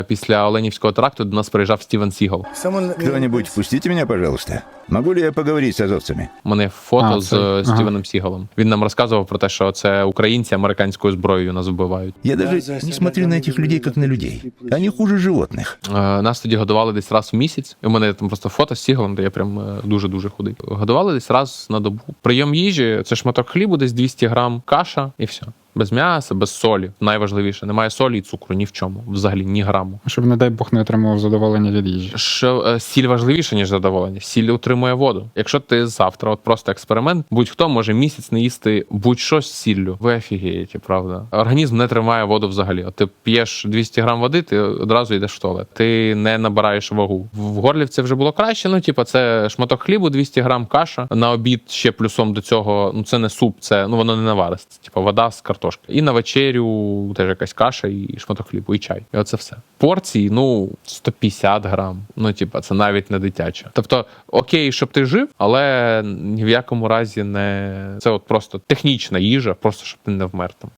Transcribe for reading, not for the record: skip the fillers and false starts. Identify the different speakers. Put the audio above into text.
Speaker 1: Після Оленівського теракту до нас приїжджав Стівен Сігал.
Speaker 2: Кто-нибудь, впустите меня, пожалуйста. Могу ли я поговорить с азовцами?
Speaker 1: У мене фото з
Speaker 3: це-
Speaker 1: Стівеном Сігалом. Він нам розказував про те, що це українці американською зброєю нас вбивають.
Speaker 2: Я даже не смотрю на этих людей, как на людей. Они хуже животных.
Speaker 1: Нас тоді годували десь раз в місяць. І у мене там просто фото з Сігалом, де я прям дуже-дуже худий. Годували десь раз на добу. Прийом їжі – це шматок хлібу, десь 200 грам, каша і все. Без м'яса, без солі. Найважливіше. Немає солі і цукру ні в чому. Взагалі ні граму.
Speaker 3: Щоб, не дай Бог, не отримував задоволення від їжі.
Speaker 1: Що сіль важливіше, ніж задоволення. Сіль утримує воду. Якщо ти завтра, от просто експеримент, будь-хто може місяць не їсти будь-що з сіллю. Ви офігієте, правда? Організм не тримає воду взагалі. От ти п'єш 200 грам води, ти одразу йдеш в туалет. Ти не набираєш вагу. В Горлівці вже було краще, ну, типа, це шматок хлібу, 200 грам каша. На обід ще плюсом до цього, ну, це не суп, це, ну, воно не наваристе. Типа, вода з картошки. І на вечерю теж якась каша і шматок хлібу, і чай. І оце все. Порції, ну, 150 грам. Ну, типа, це навіть не дитяче. Тобто, окей, щоб ти жив, але ні в якому разі не... Це от просто технічна їжа, просто щоб ти не вмер там.